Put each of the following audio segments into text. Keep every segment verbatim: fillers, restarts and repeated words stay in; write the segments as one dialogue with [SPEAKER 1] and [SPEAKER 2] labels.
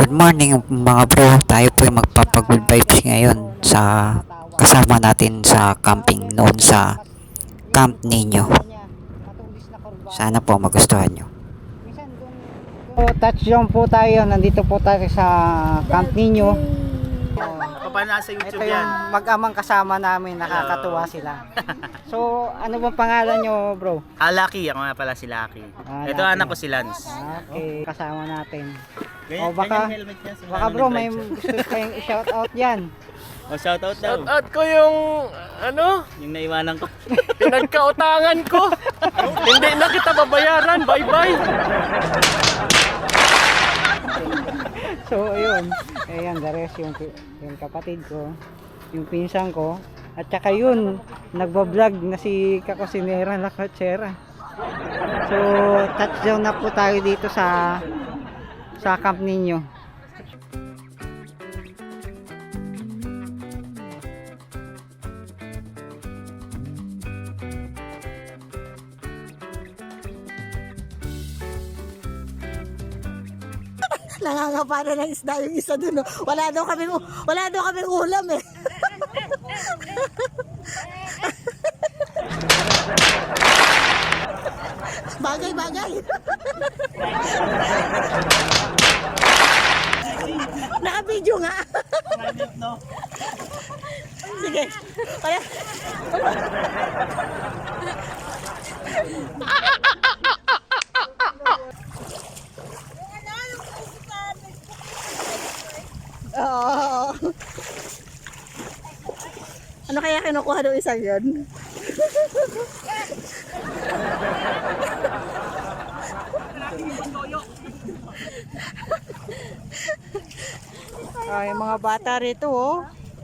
[SPEAKER 1] Good morning mga bro, tayo po yung magpapag-good vibes ngayon sa kasama natin sa camping noon sa Camp Nino. Sana po magustuhan nyo.
[SPEAKER 2] So, touchdown po tayo, nandito po tayo sa Camp Nino.
[SPEAKER 3] Paano nasa YouTube
[SPEAKER 2] Ito
[SPEAKER 3] yan?
[SPEAKER 2] yung mag-amang kasama namin, nakakatuwa sila. So, ano bang pangalan nyo bro?
[SPEAKER 3] Ah, Lucky. Ako nga pala si Lucky.
[SPEAKER 2] Ah,
[SPEAKER 3] Ito
[SPEAKER 2] Lucky.
[SPEAKER 3] anak ko si Lance.
[SPEAKER 2] Okay, kasama natin.
[SPEAKER 3] Ganyan,
[SPEAKER 2] O, baka-
[SPEAKER 3] ganyan helmet niya, simula
[SPEAKER 2] Baka
[SPEAKER 3] nung
[SPEAKER 2] bro, may
[SPEAKER 3] nag-drive
[SPEAKER 2] gusto kayong i-shout out yan.
[SPEAKER 3] siya. Oh, shout out daw.
[SPEAKER 4] Shout out ko yung ano,
[SPEAKER 3] Yung naiwanan ko.
[SPEAKER 4] pinagkautangan ko. Hindi na kita babayaran. Bye-bye.
[SPEAKER 2] So, ayun. Ayan, the rest yung, yung kapatid ko, yung pinsan ko, at saka yun, nagbablog na si Kakusinera Lacochera. So, touchdown na po tayo dito sa sa Camp Nino.
[SPEAKER 5] Nangangapa na ng isda yung isa dun. Oh. Wala daw kami wala daw kami ulam eh. Bagay bagay. Naka-video nga. Sige. Kaya Oo. Ano kaya kinukuha ng isang yun?
[SPEAKER 2] Ay, mga bata rito oh.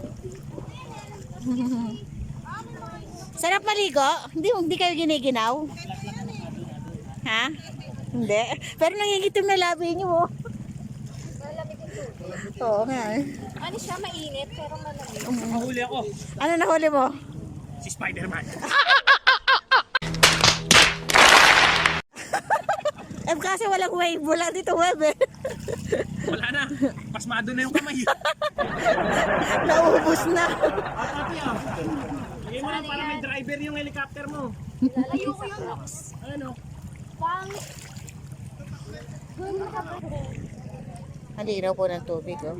[SPEAKER 5] Sarap maligo? Hindi, hindi kayo giniginaw? Ha? Hindi. Pero nangingitim na labi niyo oh. Oo nga eh.
[SPEAKER 6] Ano siya, mainit pero malamig.
[SPEAKER 3] Mahuli ako.
[SPEAKER 5] Ano nahuli mo?
[SPEAKER 3] Si Spider-Man.
[SPEAKER 5] Eh kasi walang wave. Wala dito wave eh.
[SPEAKER 3] Wala na. Pasmado na yung kamay.
[SPEAKER 5] Naubos na.
[SPEAKER 3] Pati ah. Lagay mo lang para may driver yung helicopter mo.
[SPEAKER 6] Lalayo ko yung Nox.
[SPEAKER 3] Ano?
[SPEAKER 6] Pang... Gano'n ka ba?
[SPEAKER 5] Ang linaw po ng tubig oh.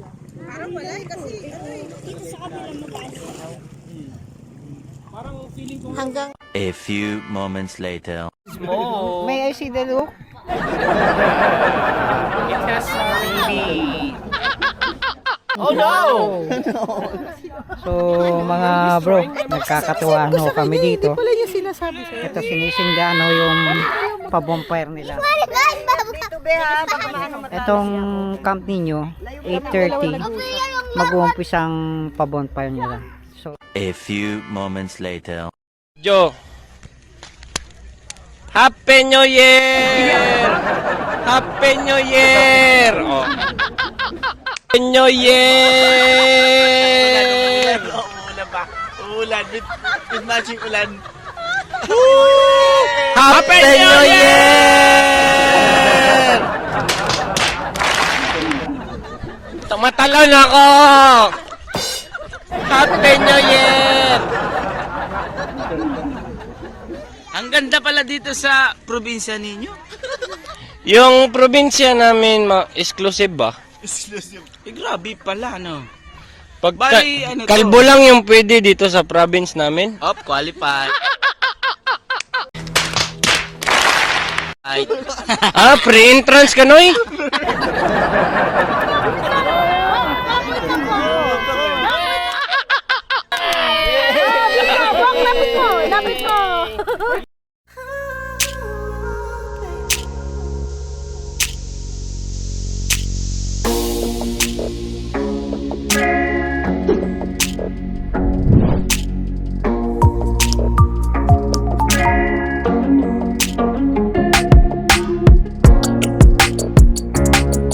[SPEAKER 6] Dito sa kabila mataas.
[SPEAKER 3] Parang feeling ko.
[SPEAKER 5] Hanggang
[SPEAKER 7] A few moments later.
[SPEAKER 3] Oh.
[SPEAKER 2] May I see the look?
[SPEAKER 3] It has maybe.
[SPEAKER 4] Oh no!
[SPEAKER 2] So, mga bro, nagkakatuwa no kami dito. Ito sinisindaan no yung pa-bonfire nila. Itong Camp Nino, eight thirty, mag-uumpisang pa-bonfire nila. So,
[SPEAKER 7] A few moments later.
[SPEAKER 4] Jo. Happy New Year! Happy New Year! Oh. Happy New Year!
[SPEAKER 3] Ulan ba? Ulan. With, with matching ulan.
[SPEAKER 4] Happy New Year! Tumatalon ako! Happy New Year!
[SPEAKER 3] Ang ganda pala dito sa probinsya ninyo.
[SPEAKER 4] Yung probinsya namin, ma exclusive ba?
[SPEAKER 3] Exclusive. Eh, grabe pala, no?
[SPEAKER 4] Pag
[SPEAKER 3] Bali, ano to?
[SPEAKER 4] kalbo lang yung pwede dito sa province namin.
[SPEAKER 3] Up, qualified. Ay.
[SPEAKER 4] Ah, pre-entrance ka, Noy?